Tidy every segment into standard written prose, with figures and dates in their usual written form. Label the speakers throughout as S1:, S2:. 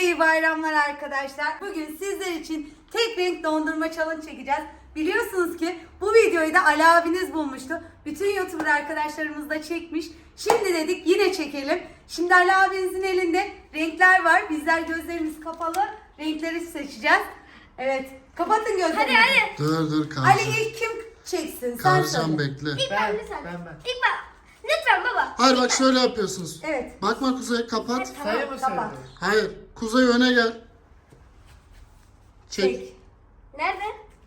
S1: iyi bayramlar arkadaşlar. Bugün sizler için tek renk dondurma challenge çekeceğiz. Biliyorsunuz ki bu videoyu da Ali abiniz bulmuştu. Bütün YouTuber arkadaşlarımız da çekmiş. Şimdi dedik yine çekelim. Şimdi Ali abinizin elinde renkler var. Bizler gözlerimiz kapalı renkleri seçeceğiz. Evet. Kapatın gözlerinizi.
S2: Hadi.
S3: Dur
S1: Ali
S3: kalacağım.
S1: ilk kim çeksin? Sen
S3: Kalacağım
S1: söyle.
S3: bekle.
S2: İlk ben lütfen.
S4: Ben.
S2: İlk ben. Lütfen baba.
S3: Hayır bak şöyle yapıyorsunuz.
S1: Evet.
S3: Bakma Kuzey kapat.
S4: Sayı mı
S1: kapat.
S4: söylüyorsun?
S3: Hayır Kuzey öne gel. Çek.
S1: Çek.
S2: Nerede?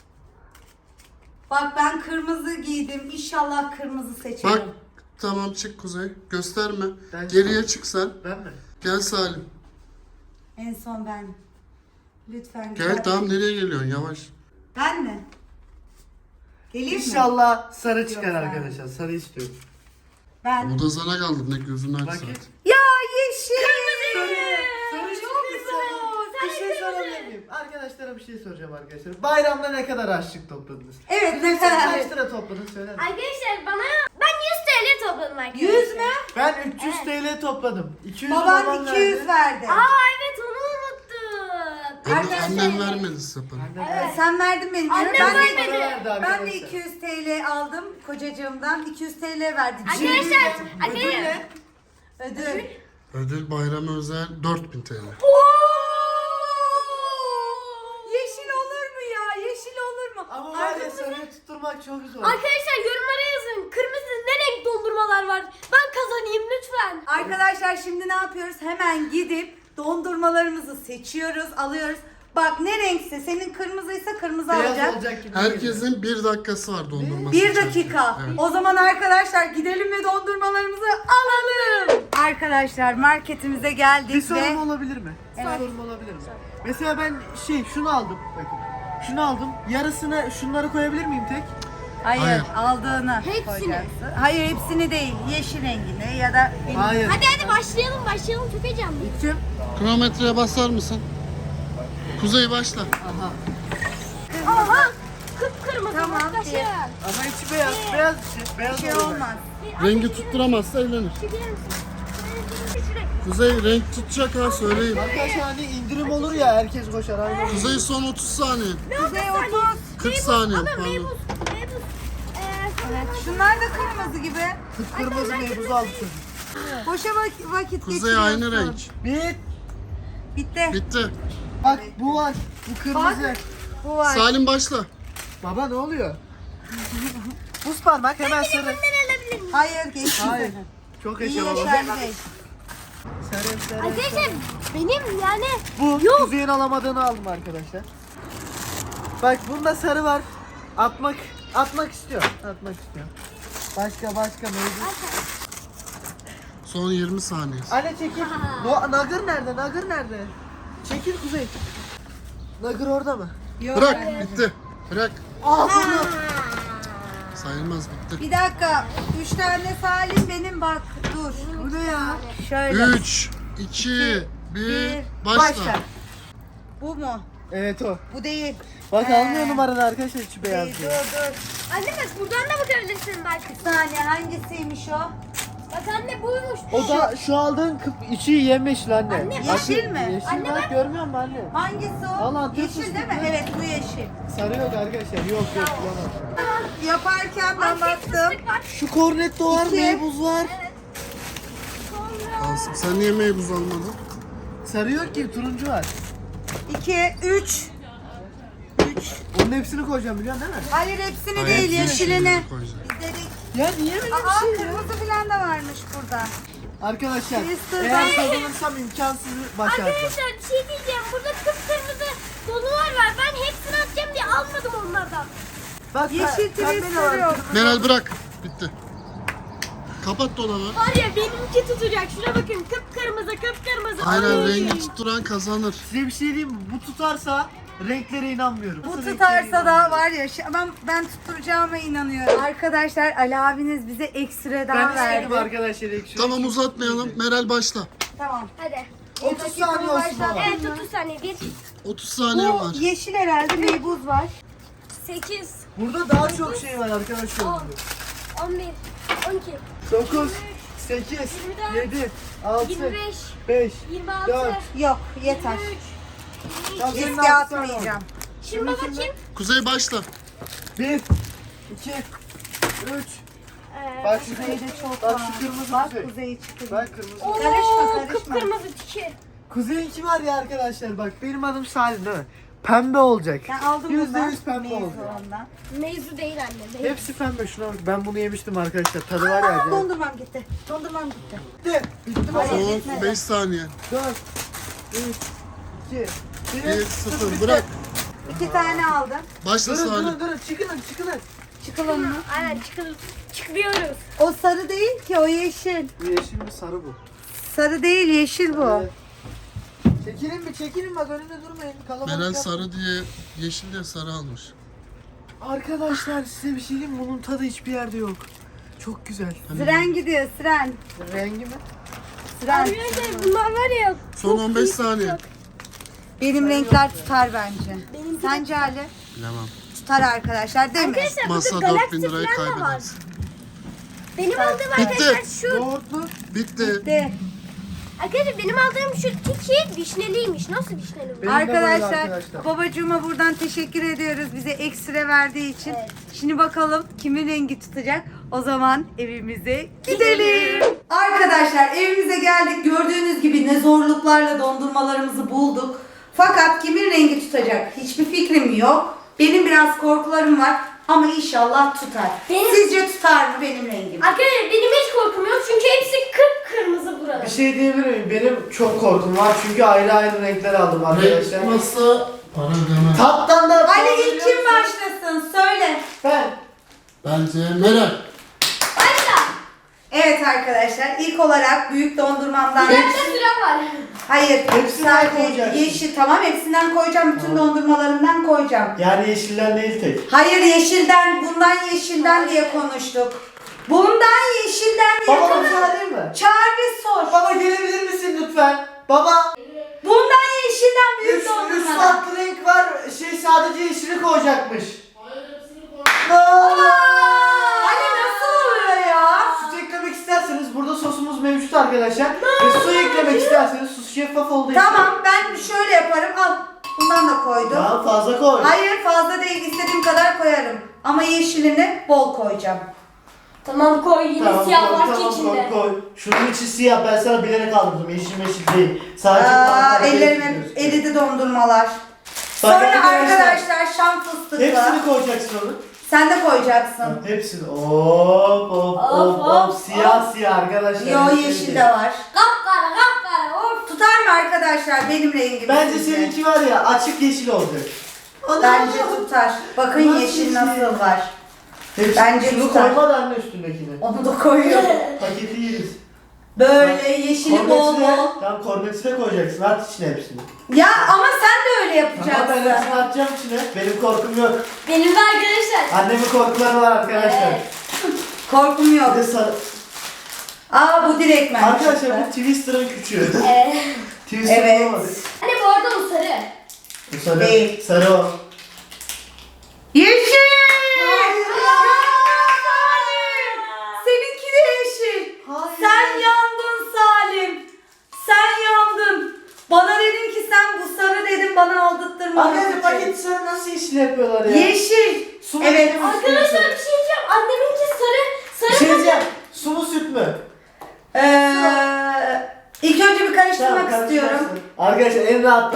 S1: Bak ben kırmızı giydim. İnşallah kırmızı seçerim.
S3: Bak tamam çık Kuzey. Gösterme.
S4: Ben-
S3: Geriye çık sen.
S4: Ben mi?
S3: Gel Salim.
S1: En son ben. Lütfen
S3: Gel tamam nereye geliyorsun yavaş.
S1: Ben mi? Geleyim mi?
S4: İnşallah sarı çıkar
S1: Yok, ben-
S4: arkadaşlar. Sarı istiyorum.
S1: Ben.
S3: O da sana kaldı ne gözünü aç
S4: Bakayım.
S3: zaten.
S1: Ya yeşil.
S4: Sarı
S1: Çok güzel.
S4: Bir şey sorabilir miyim? Arkadaşlara bir şey soracağım arkadaşlar. Bayramda ne kadar harçlık topladınız?
S1: Evet ne kadar?
S4: Kaç lira topladınız söyler misin?
S2: Arkadaşlar ben 100 TL topladım arkadaşlar.
S1: 100 mü?
S4: Ben 300 TL topladım. 200
S1: Baban
S4: babam
S1: 200 verdi.
S2: Evet onu unuttum.
S3: Annem vermedi sapını.
S4: Annem
S1: Sen verdin benim.
S2: Annem
S1: ben,
S2: vermedi.
S1: de,
S4: verdi
S1: ben de
S4: arkadaşlar.
S1: 200 TL aldım kocacığımdan. 200 TL verdi.
S2: Arkadaşlar.
S4: Ödül
S2: Arkadaşlar.
S4: ne?
S1: Ödül.
S3: Ödül bayram özel 4000 TL.
S1: Yeşil olur mu ya? Yeşil olur mu?
S4: Ama var ya sarıyı tutturmak çok zor.
S2: Arkadaşlar yorumlara yazın. Kırmızı ne renk dondurmalar var? Ben kazanayım lütfen.
S1: Arkadaşlar şimdi ne yapıyoruz? Hemen gidip dondurmalarımızı seçiyoruz, alıyoruz. Bak ne renkse senin kırmızıysa kırmızı
S4: Beyaz
S1: alacak.
S4: olacak gibi geliyor.
S3: Herkesin 1 dakikası var dondurma
S1: Bir
S3: seçerken.
S1: dakika.
S3: Evet.
S1: O zaman arkadaşlar gidelim ve dondurmalarımızı alalım. Arkadaşlar marketimize geldik
S4: Bir sorum
S1: ve
S4: olabilir mi?
S1: Evet.
S4: Bir sorum olabilir mi? Mesela ben şunu aldım. Bakın. Şunu aldım. Yarısını şunları koyabilir miyim tek?
S1: hayır,
S3: Hayır.
S1: aldığını
S2: Hepsini.
S1: koyacaksın. Hayır hepsini değil. Yeşil rengini ya da
S4: Hayır.
S2: Hadi başlayalım çok heyecanlıyım.
S4: Kim?
S3: Kronometreye basar mısın? Kuzey başla.
S4: Aha.
S2: Aha kıpkırmızı
S1: Tamam,
S2: baklaşın.
S1: diye.
S4: Ama içi beyaz. Beyaz içi. Beyaz
S1: bir şey
S4: oluyor
S1: olmaz.
S3: Rengi tutturamazsa eğlenir. Kuzey renk tutacak ha söyleyeyim.
S4: Arkadaşlar hani indirim olur ya herkes koşar. Aynen.
S3: Kuzey son 30 saniye.
S1: Kuzey 30.
S3: 40 saniye
S2: Ama
S3: pardon.
S2: meybuz.
S1: Evet, şunlar da kırmızı gibi.
S4: Kıpkırmızı meybuz aldı çocuk.
S1: Boşa vakit
S3: Kuzey
S1: geçiriyorsun.
S3: aynı renk.
S1: Bitti.
S3: Bitti.
S4: Bak bu var. Bu kırmızı.
S1: Bu var.
S3: Salim başla.
S4: Baba ne oluyor? Buz parmak hemen sarı.
S1: Hayır geçti.
S4: Hayır. Çok
S1: İyi
S4: yaşa baba.
S1: yaşar Bey.
S4: Sarı.
S2: Arkadaşlar benim yani
S4: Bu Kuzey'in alamadığını aldım arkadaşlar. Bak bunda sarı var. Atmak istiyor. Atmak istiyor. Başka mevcut.
S3: Son 20 saniye.
S4: Anne çekil. Nagır nerede? Nagır nerede? Çekil Kuzey. Nagır orada mı?
S1: Yok.
S3: Bırak bitti. Bırak.
S4: Bunu.
S3: Sayılmaz bitti.
S1: Bir dakika. 3 tane Salim benim bak. Dur.
S4: Bu ne ya?
S1: Şöyle.
S3: 3, 2, 1, başla.
S1: Başla. Bu mu?
S4: Evet o.
S1: Bu değil.
S4: Bak almıyor numaranı arkadaşlar içi beyaz
S1: Dur
S4: diyor.
S1: dur.
S2: anne bak buradan da bakabilirsin bak.
S1: Bir saniye hangisiymiş o?
S2: Bak anne buymuş.
S4: O da şu aldığın içi yemyeşil anne.
S2: Anne,
S1: yeşil mi?
S4: Yeşil
S2: Anne
S4: bak görmüyor musun anne?
S1: Hangisi o?
S4: Vallahi
S1: yeşil
S4: Türk
S1: değil mi?
S4: fıstıklı.
S1: Evet bu yeşil.
S4: Sarı yok arkadaşlar. Yok bulamam.
S1: Yaparken ben baktım.
S2: Fıstık var.
S4: Şu kornetto var,
S1: İki.
S4: meybuz var.
S2: Sonra
S3: Asım sen niye meybuz almadın?
S4: Sarı yok ki turuncu var.
S1: 2, 3.
S4: Onun hepsini koyacağım biliyorsun değil mi?
S1: Hayır hepsini
S3: Hayır,
S1: değil yeşilini.
S3: koyacağım.
S1: İzledik.
S4: Ya niye böyle
S1: Aa
S4: bir şey ya?
S1: kırmızı falan da varmış burada.
S4: Arkadaşlar
S1: Twister
S4: eğer
S1: ben-
S4: kazanırsam imkansızı başaracağım.
S2: arkadaşlar bir şey diyeceğim. Burada kıpkırmızı dolular var. Ben hepsini atacağım diye almadım onlardan.
S4: Bak
S1: Yeşil
S4: pembe de
S1: Twister
S4: var.
S1: yok.
S3: Meral bırak. Bitti. Kapat dolabı.
S2: Var ya benimki tutacak. Şuna bakın kıpkırmızı.
S3: Aynen
S2: Ay.
S3: rengi tutturan kazanır.
S4: Size bir şey diyeyim mi? Bu tutarsa renklere inanmıyorum.
S1: Bu
S4: Nasıl
S1: tutarsa
S4: renklere
S1: da
S4: inanmıyorum?
S1: var ya ben tutturacağıma inanıyorum. Arkadaşlar Ali abiniz bize ekstra daha
S4: Ben istedim
S1: verdi.
S4: arkadaşlar ekşi.
S3: Tamam uzatmayalım. Meral başla.
S1: Tamam.
S2: Hadi.
S4: 30 saniye olsun baba.
S2: Evet 30 saniye. 1,
S3: 30 saniye
S1: Bu
S3: var.
S1: yeşil herhalde meybuz var.
S2: 8,
S4: Burada daha çok şey var arkadaşlar.
S2: 10, 11, 12,
S4: 9, 8,
S2: 24,
S4: 7, 6,
S2: 25,
S4: 5,
S2: 26.
S4: 4.
S1: Yok yeter.
S2: 23.
S4: Tamam, senin
S1: Riske
S4: altı tane
S1: atmayacağım.
S2: Şimdi baba kim?
S3: Kuzey başla.
S4: 1, 2, 3. Bak şu
S1: Kuzeyde çok
S4: Bak
S1: var.
S4: şu kırmızı
S1: Bak
S4: kuzey.
S1: kuzey çıktı.
S4: Bak kırmızı.
S2: Oo,
S1: Karışma.
S2: kıpkırmızı tiki.
S4: Kuzey'inki var ya arkadaşlar bak benim adım Salim değil mi? Pembe olacak.
S1: Ben aldım
S4: %100
S1: bundan.
S4: pembe
S1: Meyve
S4: olacak.
S1: ondan.
S2: Mevzu değil anne. Değil.
S4: Hepsi pembe şuna bak. Ben bunu yemiştim arkadaşlar. Tadı var ya. acayip.
S1: Dondurmam gitti. Dondurmam gitti.
S4: Bitti. Bitti baba.
S1: Hayır.
S3: Son 5 saniye.
S4: 4, 3, 2,
S3: 1, 0. Bırak.
S1: 2 tane aldım.
S3: Başla
S4: Durun
S3: Salim.
S4: durun durun çıkın çıkın.
S1: Çıkalım mı?
S2: Aynen çıkıyoruz.
S1: O sarı değil ki, o yeşil.
S4: Bu yeşil mi sarı bu?
S1: Sarı değil, yeşil bu.
S4: Evet. Çekilin bak önümde durmayın. Kalabalık
S3: Meral
S4: yapmayın.
S3: sarı diye yeşil diye sarı almış.
S4: Arkadaşlar size bir şey diyeyim mi? Bunun tadı hiçbir yerde yok. Çok güzel.
S1: Siren gidiyor, siren.
S4: Rengi mi?
S1: Siren.
S2: Arkadaşlar bunlar var ya.
S3: Son 15 saniye.
S1: Benim renkler tutar bence.
S2: Benimki
S1: Sence Ali?
S3: Bilemem.
S1: Tutar arkadaşlar değil mi?
S2: Arkadaşlar
S3: Masa
S2: burada
S3: 4000
S2: galaksi
S3: lirayı
S2: falan da var.
S3: kaybedersin.
S2: Benim aldığım
S3: Bitti.
S2: arkadaşlar şu.
S4: Yoğurtlu.
S3: Bitti.
S1: De.
S2: Arkadaşlar benim aldığım şu tiki vişneliymiş. Nasıl vişneli bu?
S4: Benim de böyle
S1: Arkadaşlar,
S4: arkadaşlar.
S1: babacığıma buradan teşekkür ediyoruz bize ekstra verdiği için.
S2: Evet.
S1: Şimdi bakalım kimin rengi tutacak. O zaman evimize gidelim. Arkadaşlar evimize geldik. Gördüğünüz gibi ne zorluklarla dondurmalarımızı bulduk. Fakat kimin rengi tutacak hiçbir fikrim yok. Benim biraz korkularım var ama inşallah tutar.
S2: Benim-
S1: Sizce tutar mı benim rengim?
S2: Arkadaşlar benim hiç korkum yok çünkü hepsi kıpkırmızı burada.
S4: Bir şey diyebilir miyim? Benim çok korkum var çünkü ayrı ayrı renkler aldım arkadaşlar.
S3: Renk masa para ödeme.
S4: Tattan da
S1: Hadi ilk kim başlasın söyle.
S4: Ben.
S3: Bence Meral.
S2: Başla.
S1: Evet arkadaşlar ilk olarak büyük dondurmamdan...
S2: Bir dakika süre var.
S1: Hayır,
S4: Hepsinden
S1: sadece
S4: koyacaksın.
S1: yeşil, tamam hepsinden koyacağım, bütün dondurmalarından koyacağım.
S4: Yani yeşilden değil tek.
S1: Hayır yeşilden, bundan yeşilden diye konuştuk. Bundan yeşilden diye
S4: Baba
S1: konuştuk.
S4: müsaade mi?
S1: Çağır bir sor.
S4: Baba gelebilir misin lütfen? Baba.
S1: Bundan yeşilden büyük
S4: Üç
S1: dondurmadan.
S4: farklı renk var. Sadece yeşili koyacakmış.
S1: Hani nasıl oluyor ya?
S4: Süt eklemek isterseniz burada sosumuz mevcut arkadaşlar. Ve su eklemek isterseniz su şeffaf olduğu için.
S1: Tamam ben şöyle yaparım, al. Bundan da koydum.
S4: Daha fazla koy.
S1: Hayır fazla değil, istediğim kadar koyarım. Ama yeşilini bol koyacağım.
S2: Tamam koy yine
S4: Tamam,
S2: siyah
S4: koy,
S2: var
S4: tamam,
S2: ki içinde.
S4: koy. Şunun içi siyah, ben sana bilerek aldım. Yeşil meşil değil. Sadece
S1: Ellerime
S4: gözüküyor.
S1: eridi dondurmalar.
S4: Bak
S1: Sonra
S4: arkadaşlar,
S1: arkadaşlar şam fıstıklı.
S4: hepsini koyacaksın onu.
S1: Sen de koyacaksın.
S4: Hepsini. Hop hop hop hop. Siyah siyah arkadaşlar.
S1: Yo yeşil de var.
S2: Kapkara of.
S1: Tutar mı arkadaşlar benim rengim?
S4: Bence
S1: sizce?
S4: seninki var ya açık yeşil olacak.
S1: Bence tutar. Bakın
S4: Nasıl
S1: yeşil
S4: yeşil?
S1: nasıl var.
S4: Hepsini,
S1: Bence
S4: şunu
S1: tutar.
S4: koyma da anne üstündekini.
S1: Onu da koyuyorum.
S4: Paketi yeriz.
S1: Böyle yeşili bol
S4: Korneti de,
S1: bol.
S4: tamam korneti de koyacaksın. At içine hepsini.
S1: Ya ama sen de öyle
S4: Ama ben
S1: yapacaksın.
S4: hepsini atacağım içine. Benim korkum yok.
S2: Benim de arkadaşlar.
S4: Annemin korkuları var arkadaşlar.
S2: Evet.
S1: Korkum yok.
S4: Bir de sarı.
S1: Aa bu direktmen.
S4: Arkadaşlar bu Twister'ın küçüğü.
S2: Evet.
S4: Twister
S1: Evet.
S4: olmadı.
S2: Anne bu arada o sarı.
S4: Bu sarı.
S1: Değil.
S4: Sarı o.
S1: Yeşil! Salim! Seninki de yeşil.
S4: Hayır.
S1: Sen yandın Salim. Sen yandın. Bana dedin ki sen bu sarı dedin bana aldırttırma.
S4: Arkadaşlar paket sarı nasıl yeşil yapıyorlar ya?
S1: Yeşil.
S4: Su mu
S1: Evet.
S4: yeşil mi?
S2: Arkadaşlar bir şey diyeceğim. Anneminki
S4: Bir
S2: sarı.
S4: şey diyeceğim. Su mu süt mü?
S1: İlk önce bir karıştırmak
S4: Tamam,
S1: istiyorum.
S4: karıştırsın. Arkadaşlar en rahat.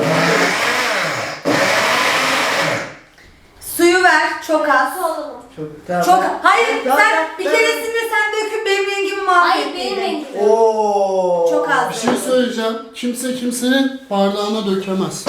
S1: Suyu ver çok az.
S2: Nasıl olalım?
S4: Çok. Tamam.
S1: Çok hayır
S4: Tamam,
S1: sen
S4: ben-
S1: bir
S4: ben-
S1: keresinde sen döküp benim rengimi
S2: Hayır
S1: mahvettiydin.
S2: benim rengim.
S4: Oo.
S1: Çok az.
S3: Bir şey söyleyeceğim. Kimse kimsenin bardağına dökemez.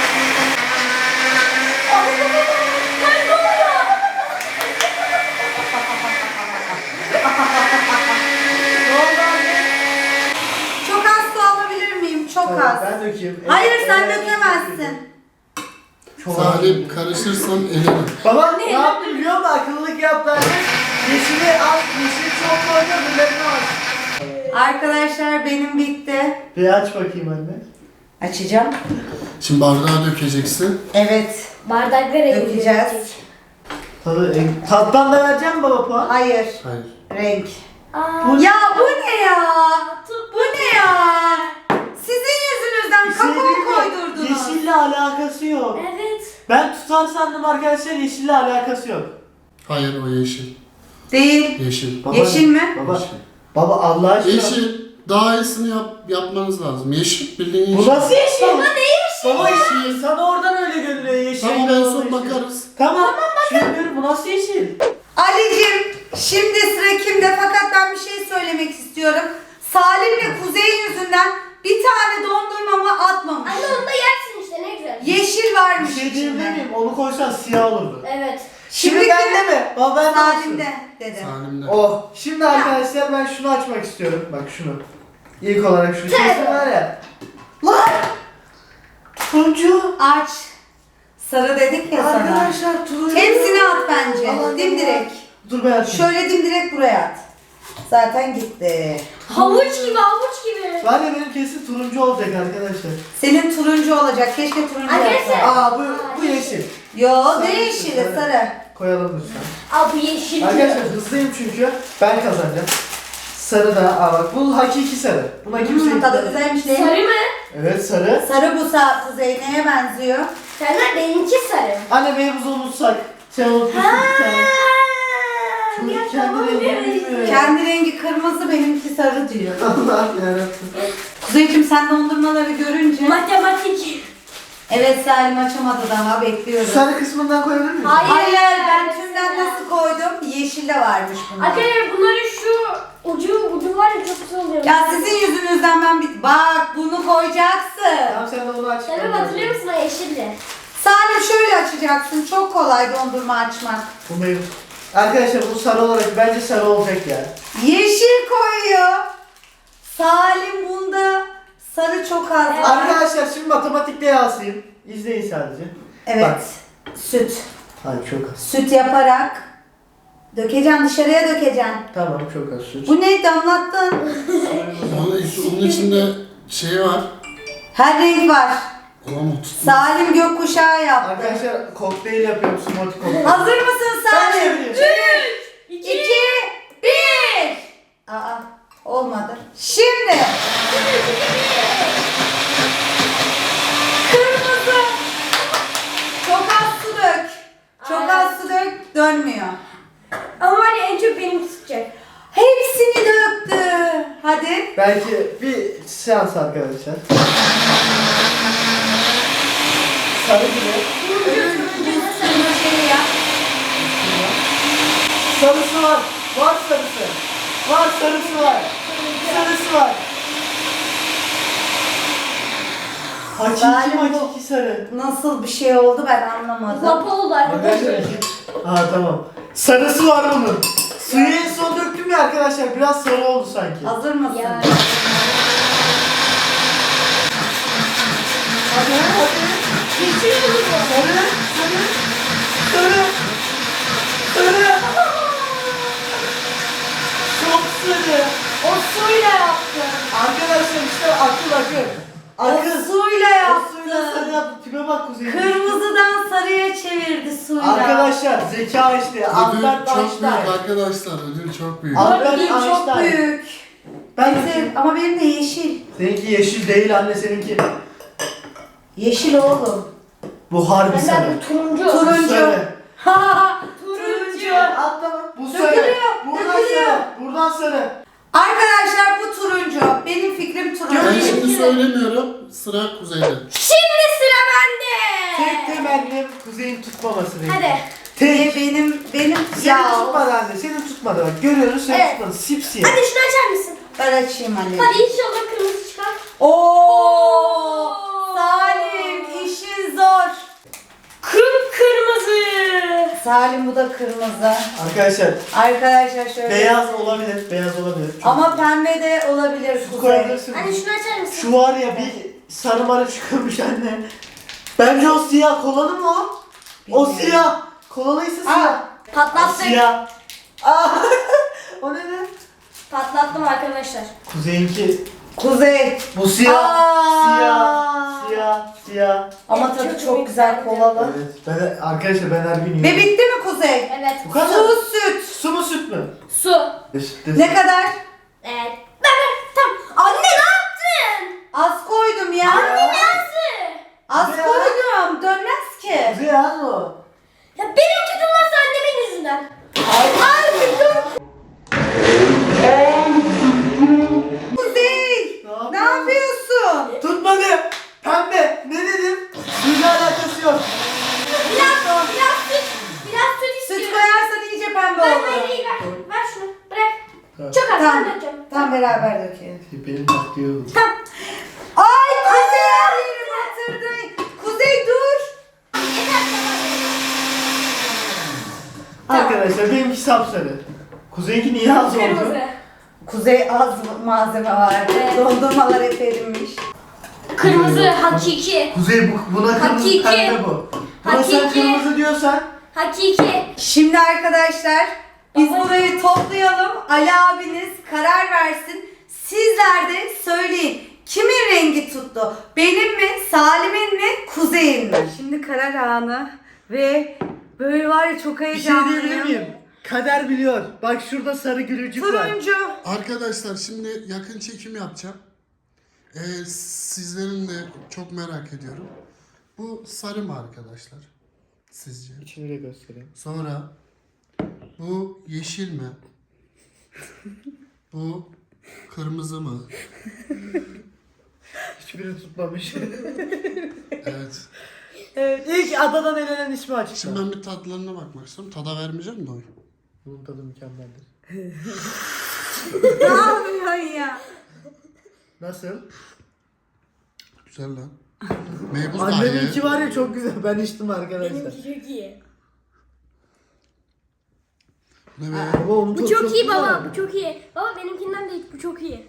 S4: Ne oldu anne?
S1: Çok az su alabilir miyim? Çok
S4: Tamam,
S1: az.
S4: ben dökeyim.
S1: Hayır
S4: Evet,
S1: sen
S4: evet,
S1: dökemezsin.
S4: Çok az.
S3: Salim karışırsan elerim.
S4: Baba ne yaptı biliyor musun? Akıllılık yaptı anne. Yeşili al, yeşili çok koydu, biberini al.
S1: Arkadaşlar benim bitti.
S4: Bir aç bakayım anne.
S1: Açacağım.
S3: Şimdi bardağa dökeceksin.
S1: Evet.
S2: Bardakları
S1: Dökeceğiz.
S4: Tattan da vereceğim mi baba puan?
S1: Hayır.
S3: Hayır.
S1: Renk. Ya bu ne ya? Bu ne ya? Sizin yüzünüzden kakao koydurdunuz.
S4: Yeşille alakası yok.
S2: Evet.
S4: Ben tutar sandım arkadaşlar, yeşille alakası yok.
S3: Hayır o yeşil.
S1: Değil.
S3: Yeşil.
S1: Yeşil mi?
S4: Baba,
S3: Yeşil.
S4: baba Allah aşkına.
S3: Yeşil. Daha iyisini yapmanız lazım. Yeşil bildiğin
S4: Bu
S3: yeşil.
S4: nasıl yeşil?
S2: Baba ne yeşil?
S4: Baba yeşil. Sana oradan öyle görünüyor yeşil.
S3: Tamam en son
S4: yeşil.
S3: bakarız.
S4: Tamam. Şimdi bu nasıl yeşil?
S1: Ali'cim şimdi sıra kimde? Fakat ben bir şey söylemek istiyorum. Salim'le Kuzey yüzünden bir tane dondurmamı atmamış.
S2: Anne onu da yersin işte ne güzel.
S1: Yeşil varmış
S4: Bir şey diyebilir
S1: içinde.
S4: miyim? Onu koysan siyah olurdu.
S2: Evet.
S4: Şimdi
S1: Şimdi
S4: bende mi? Baba ben
S1: Salim'de dedi.
S3: Salim'de.
S4: Oh. Şimdi arkadaşlar ben şunu açmak istiyorum. Bak şunu. İlk olarak şu sesi var ya. Lan! Turuncu.
S1: Aç. Sarı dedik ya sana.
S4: Arkadaşlar turuncu.
S1: Hepsini at bence.
S4: Aman
S1: Dimdirek.
S4: Dur ben atayım.
S1: Şöyle dimdirek buraya at. Zaten gitti.
S2: Havuç gibi havuç gibi.
S4: Var ya benim kesin turuncu olacak arkadaşlar.
S1: Senin turuncu olacak. Keşke turuncu
S2: Arkadaşlar.
S1: yapsaydın.
S4: Aa bu yeşil.
S1: Yo
S4: Sarı,
S1: ne yeşili
S4: sarı.
S1: sarı.
S4: Koyalım lütfen.
S2: Aa bu yeşil.
S4: Arkadaşlar hızlıyım çünkü. Ben kazanacağım. Sarı da. Aa bak bu hakiki sarı. Buna kimse
S1: Tadı güzelmiş değil mi?
S2: Sarı mı?
S4: Evet sarı.
S1: Sarı bu saat Kuzey neye benziyor?
S2: Senden benimki sarı.
S4: Anne mevzu unutsak. Sen unutmuşsun bir tane. Çocuk kendi rengini bilmiyor.
S1: Kendi rengi kırmızı benimki sarı diyor.
S4: Allah yarabbim.
S1: Kuzeyciğim sen dondurmaları görünce.
S2: Matematik.
S1: Evet Salim açamadı daha bekliyorum.
S4: Sarı kısmından koyabilir miyiz?
S2: Hayır.
S1: Hayır ben tümden nasıl koydum? Yeşil de varmış bunda.
S2: Arkadaşlar bunların şu ucu var ya çok güzel oluyor.
S1: Ya sizin yüzünüzden ben bak bunu koyacaksın.
S4: Tamam sen de onu aç.
S2: Sen hatırlıyor musun o yeşilli?
S1: Salim şöyle açacaksın. Çok kolay dondurma açmak.
S4: Bu mevzu. Arkadaşlar bu sarı olarak bence sarı olacak ya.
S1: Yeşil koyuyor. Salim bunda sarı çok az var.
S4: Arkadaşlar şimdi matematikle yazayım. İzleyin sadece.
S1: Evet.
S4: Bak.
S1: Süt.
S4: Hayır çok az.
S1: Süt yaparak dökeceksin dışarıya dökeceksin.
S4: Tamam çok az süt.
S1: Bu ne damlattın?
S3: Onun içinde şey var.
S1: Her renk var.
S3: Olamaz.
S1: Salim gökkuşağı yaptı.
S4: Arkadaşlar kokteyl yapıyorum smoothie kokteyl.
S1: Hazır mısın
S4: Ben
S1: Salim?
S4: çevireyim.
S1: 3, 2, 1. Aa olmadı. Şimdi. Kırmızı. Çok az su dök. Çok az su dök. Dönmüyor.
S2: Ama var ya en çok benim tutacak.
S1: Hepsini döktü. Hadi.
S4: Belki bir seans arkadaşlar. Sarı gibi.
S1: Turuncu şey yap.
S4: Sarısı var. Var sarısı. Var sarısı var. Sarısı var. Hakiki
S1: Salim bu-
S4: hakiki sarı.
S1: Nasıl bir şey oldu ben anlamadım.
S2: Lapa oldu
S4: Arkadaşlar.
S2: arkadaşlar.
S4: Ha tamam. Sarısı var bunun. Suyu en son döktüm ya arkadaşlar. Biraz sarı oldu sanki.
S1: Hazır mısın?
S2: Ya.
S4: Hadi hadi.
S2: Yeşil oldu bu.
S4: Sarı. Sarı. Sarı. Sarı. Çok sarı.
S1: O suyla yaptı.
S4: Arkadaşlar işte akıl.
S1: O
S4: Akıl.
S1: suyla
S4: O suyla sarı
S1: yaptı.
S4: yaptı. Tipe bak kuzey.
S1: Kırmızıdan sarıya çevirdi suyla.
S4: Arkadaşlar zeka işte.
S3: Ödül
S4: Albert
S3: çok büyük
S4: Einstein.
S3: arkadaşlar. Ödül çok büyük.
S4: Albert
S1: Ödül çok
S4: Einstein.
S1: büyük.
S4: Ben
S1: Bizim, ama benim de yeşil.
S4: Seninki yeşil değil anne seninki.
S1: Yeşil oğlum.
S4: Bu harbi sarı.
S2: Benden turuncu.
S4: Bu
S1: Turuncu.
S4: sarı.
S1: Turuncu.
S4: Atlama. Bu sarı.
S1: Dökülüyor,
S4: Buradan
S1: dökülüyor.
S4: sarı. Buradan sarı.
S1: Arkadaşlar bu turuncu. Benim fikrim turuncu.
S3: Ben şimdi söylemiyorum. Sıra Kuzey'de.
S2: Şimdi sıra bende.
S4: Tek temennim kuzeyin tutmaması benim.
S2: Hadi.
S4: Tek.
S1: Benim
S4: Senin
S1: ya.
S4: tutmadı anne. Senin tutmadı bak. Görüyoruz senin
S2: Evet.
S4: tutmadı. Sipsiyah.
S2: Hadi şunu açar mısın?
S1: Ben açayım anne.
S2: Hadi inşallah kırmızı çıkar.
S1: Oo! Salim işin zor.
S2: Kıpkırmızı.
S1: Salim bu da kırmızı.
S4: Arkadaşlar
S1: Arkadaşlar şöyle.
S4: beyaz olabilir. Beyaz olabilir. Çok
S1: Ama pembe de olabilir
S4: Su
S1: Kuzey.
S4: koyabilirsin.
S2: Hadi şunu açar mısın?
S4: Şu var ya bir sarı marı çıkıyormuş anne. Bence o siyah. Kolalı mı o? O
S1: Bilmiyorum.
S4: siyah. Kolalıysa siyah.
S1: Aa,
S4: O
S2: Patlattık.
S4: siyah. Aa, o ne be?
S2: Patlattım arkadaşlar.
S4: Kuzeyinki.
S1: Kuzey.
S4: Bu siyah.
S1: Aa.
S4: Siyah. Siyah. ya.
S1: Ama tadı çok güzel kolalı.
S4: Evet. Arkadaşlar ben her gün
S1: Ve
S4: yiyorum.
S1: bitti mi Kuzey?
S2: Evet.
S4: Bu kadar.
S1: Su, süt.
S4: Su mu süt mü?
S2: Su.
S1: Ne kadar?
S2: Evet. Tamam. Anne ne yaptın?
S1: Az koydum ya.
S2: Nasıl?
S1: Az
S4: Ya.
S1: koydum. Dönmez ki.
S4: Kuzey az o.
S2: Ya benimki durmazsa annemin yüzünden.
S1: Kuzey. Ne yapıyorsun?
S4: Tutmadı. Pembe. Ne dedim? Suyla alakası yok.
S2: Biraz süt. Biraz süt
S1: Süt
S2: istiyorum.
S1: koyarsan iyice pembe
S2: Ver
S1: olur.
S2: ver ver. Ver şunu. Bırak. Çok az
S1: Tamam.
S2: ben dökeceğim.
S1: Tamam beraber dökelim.
S4: Benim taktiğim.
S1: Tamam. Ay Kuzey her yerimi batırdı. Kuzey dur.
S4: Arkadaşlar benimki sapsarı. Kuzeyinki niye az oldu?
S2: Kırmızı.
S1: Kuzey az malzeme var.
S2: Evet.
S1: Dondurmalar hep erinmiş.
S2: Kırmızı hakiki.
S4: Kuzey buna kırmızı
S2: Hakiki.
S4: pembe bu. Buna sen
S2: Hakiki.
S4: kırmızı diyorsan
S2: Hakiki.
S1: Şimdi arkadaşlar biz
S2: Baba.
S1: burayı toplayalım. Ali abiniz karar versin. Sizler de söyleyin. Kimin rengi tuttu? Benim mi? Salim'in mi? Kuzey'in mi? Şimdi karar anı ve böyle var ya çok
S4: bir şey diyebilir
S1: heyecanlıyım.
S4: miyim? Kader biliyor. Bak şurada sarı gülücük var.
S1: Turuncu.
S3: Arkadaşlar şimdi yakın çekim yapacağım. Sizlerin de çok merak ediyorum. Bu sarı mı arkadaşlar? Sizce?
S4: İçini de göstereyim.
S3: Sonra bu yeşil mi? Bu kırmızı mı?
S4: Hiçbirini tutmamış.
S3: Evet.
S4: Evet, ilk adadan elenen ismi açıkta.
S3: Şimdi ben bir tatlarına bakmak istiyorum. Tada vermeyeceğim de o.
S4: Bunun tadı mükemmeldir.
S1: Ne yapıyorsun ya?
S4: Nasıl?
S3: Güzel lan. Meybuz da iyi.
S4: Anneminki var ya çok güzel. Ben içtim arkadaşlar.
S2: Benimki çok iyi.
S3: Ne be?
S4: Baba onun
S2: Bu
S4: tadı
S2: çok iyi
S4: güzel.
S2: baba. Bu çok iyi. Baba benimkinden de bu çok iyi.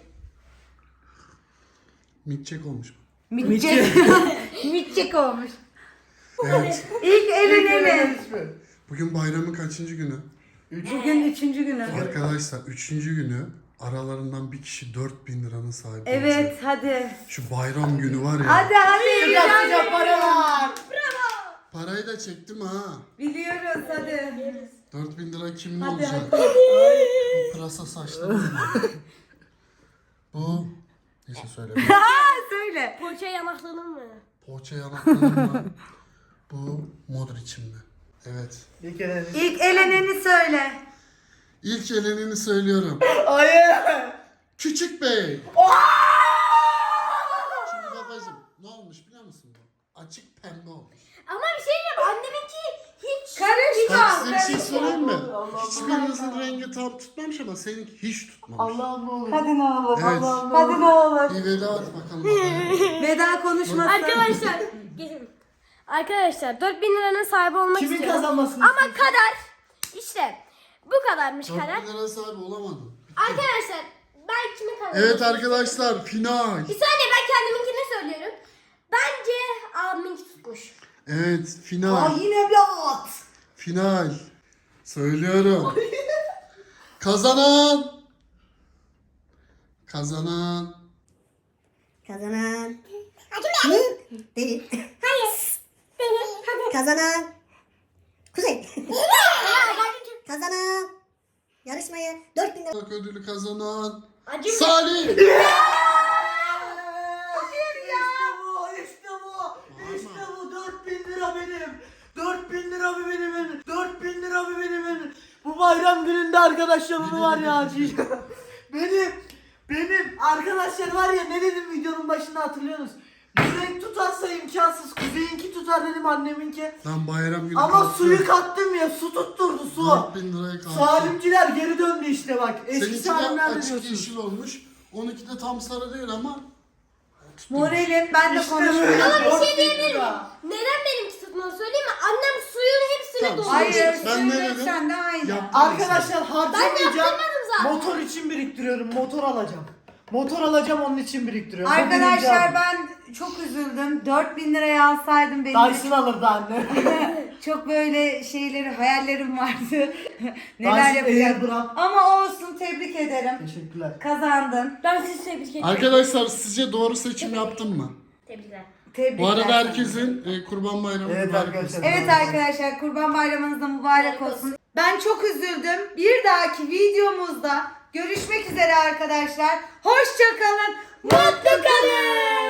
S3: Mitçek olmuş.
S1: Mitçek. Mitçek olmuş.
S3: Evet.
S1: İlk eleneni.
S3: Bugün bayramın kaçıncı günü?
S1: Bugün 3. günü.
S3: Arkadaşlar 3. günü aralarından bir kişi 4000 liranın sahibi
S1: Evet
S3: olacak.
S1: hadi.
S3: Şu bayram günü var ya.
S1: Hadi hadi.
S4: Sıcak sıcak paralar.
S3: Parayı da çektim ha.
S1: Biliyoruz hadi.
S3: 4000 lira kimin
S1: Hadi,
S3: olacak?
S1: hadi.
S3: Bu pırasa saçlı mı? Bu neyse söyle.
S1: Söyle.
S2: Poğaça yanaklarının mı?
S3: Poğaça yanaklarım mı? Bu Modric'im mi? Evet.
S4: Bir kere.
S1: İlk eleneni söyle.
S3: İlk elenini söylüyorum.
S4: Hayır.
S3: Küçük Bey. Şimdi babacığım ne olmuş biliyor musun bu? Açık pembe olmuş.
S2: Ama bir şey diyeyim. Anneminki hiç.
S1: Karışma.
S3: Bak size bir şey söyleyeyim mi?
S4: Allah.
S3: Hiçbirinizin rengi tam tutmamış ama seninki hiç tutmamış.
S4: Allah'ım ne olur.
S1: Hadi ne olur.
S3: Evet.
S4: Allah'ım ne
S1: Hadi ne olur.
S3: Bir veda et bakalım babaya.
S1: Veda konuşması.
S2: Arkadaşlar. Gelin. Arkadaşlar 4000 liranın sahibi olmak
S4: Kimin
S2: istiyorum.
S4: kazanmasını
S2: Ama kader. İşte. Bu kadarmış kader.
S3: 4000 lira sahibi olamadın.
S2: Arkadaşlar ben kimi kazandım?
S3: Evet arkadaşlar final.
S2: Bir saniye ben kendiminkini söylüyorum. Bence abiminki tutmuş.
S3: Evet
S1: Aa,
S3: final.
S1: yine bir at.
S3: Final. Söylüyorum. Kazanan. Kazanan.
S5: Kazanan. Hı? Değil. Hayır. Kazanan. Kuzey. Kazanan. Yarışmayı 4000 lira.
S3: Ödülü kazanan.
S2: Acım.
S3: Salih.
S4: İşte bu, işte bu. İşte bu 4000 lira benim. 4000 lira mı benim? 4000 lira mı benim? Bu bayram gününde arkadaşlar bunu var ya harcayacağım. Benim arkadaşlar var ya ne dedim videonun başında hatırlıyorsunuz. Bir renk tutarsa imkansız. Kuzeyinki tutar dedim anneminki.
S3: Lan bayram günü
S4: Ama
S3: kalktı.
S4: suyu kattım ya su tutturdu su.
S3: 4000 liraya kalktı.
S4: Salimciler geri döndü işte bak. Eski
S3: Seninki de
S4: Salimler de
S3: açık
S4: diyorsunuz.
S3: yeşil olmuş. 12 de tam sarı değil ama.
S1: Moralim ben de
S4: İşte
S1: konuşmuyorum.
S4: böyle
S2: Ama bir şey
S4: 4000
S2: diyebilir miyim?
S4: lira.
S2: Neden benimki tutmalı söyleyeyim mi? Annem suyun hepsini
S3: Tamam,
S2: doldurmuş.
S1: Hayır,
S3: Ben ne dedim?
S1: sen de aynı.
S3: Yaptım
S4: Arkadaşlar
S2: Ben
S4: harcamayacağım.
S2: yaptırmadım zaten.
S4: Motor için biriktiriyorum. Motor alacağım. Motor alacağım onun için biriktiriyorum. Bu birinci
S1: Arkadaşlar
S4: adım.
S1: ben çok üzüldüm. 4000 liraya alsaydım benim de
S4: Dyson alırdı anne.
S1: çok böyle hayallerim vardı. Neler
S4: Dyson
S1: yapacağım.
S4: Airbrand.
S1: Ama olsun tebrik ederim.
S4: Teşekkürler.
S1: Kazandın.
S2: Ben sizi tebrik ederim.
S3: Arkadaşlar sizce doğru seçim yaptım mı?
S2: Tebrikler.
S1: Tebrikler.
S3: Bu arada herkesin Kurban Bayramı
S4: Evet
S3: mübarek
S4: arkadaşlar.
S3: olsun.
S1: Evet arkadaşlar, Kurban Bayramınız da mübarek olsun. Ben çok üzüldüm. Bir dahaki videomuzda görüşmek üzere arkadaşlar. Hoşça kalın, mutlu kalın.